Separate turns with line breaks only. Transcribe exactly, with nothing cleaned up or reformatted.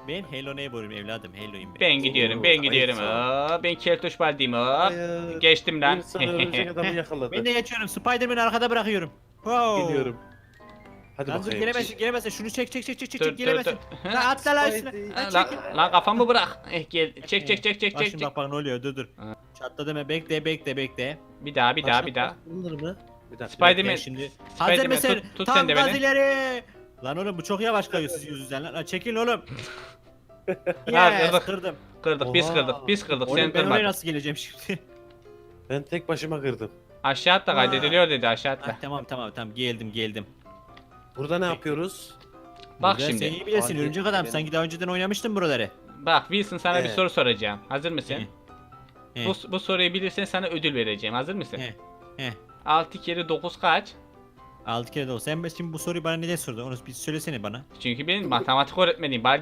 Ben Hello Neighbor'ım evladım. Hello'yum ben.
Ben gidiyorum, ben
Oo,
gidiyorum.
ayıp.
Hop, ben Keltoş Baldi'yim hop.
Hayır.
Geçtim lan.
İnsan örümcek adamı yakaladı.
Ben de geçiyorum. Spider-Man'i arkada bırakıyorum. Wow.
Geliyorum. Hadi
Lan dur
bakayım.
gelemezsin gelemezsin. Şunu çek çek çek çek çek
Dur,
çek
dur,
gelemezsin.
dur.
Lan atla lan üstüne.
Spidey.
Lan
Lan,
çek.
lan kafamı bırak. Eh, gel. Çek çek çek çek
Bak
çek.
şimdi
çek.
bak bak ne oluyor dur dur.
Ha.
Çatla deme bekle bekle bekle.
Bir daha bir daha bir daha.
Bunlar mı? Bir dakika.
Spider-
Bekle
Man-
şimdi.
Spider-Man,
Hazır mısın?
tut- tut
Tam
sen de
gaz
beni.
ileri. Lan oğlum bu çok yavaş kayıyor siz yüzünden lan. Lan çekilin oğlum.
Ha,
Yes
kırdık.
kırdım.
Kırdık biz
Oha.
kırdık biz kırdık.
Oğlum
Sen
ben oraya
kırmadın.
nasıl geleceğim şimdi?
Ben tek başıma kırdım.
Aşağı atla kaydediliyor dedi aşağı
Ah,
atla.
tamam tamam tamam geldim geldim.
Burada ne yapıyoruz?
Bak
Burada
şimdi.
Sen iyi bilirsin
Fark
örümcek
ettim
adam.
benim.
Sanki daha önceden oynamıştın buraları.
Bak Wilson sana bir
Evet.
soru soracağım. Hazır mısın?
He.
Bu, bu soruyu bilirsen sana ödül vereceğim. Hazır mısın?
He. He.
altı kere dokuz kaç?
Altı kere de olsa. Sen şimdi bu soruyu bana neden sordun? Onu bir söylesene bana.
Çünkü ben matematik öğretmeniyim. Bari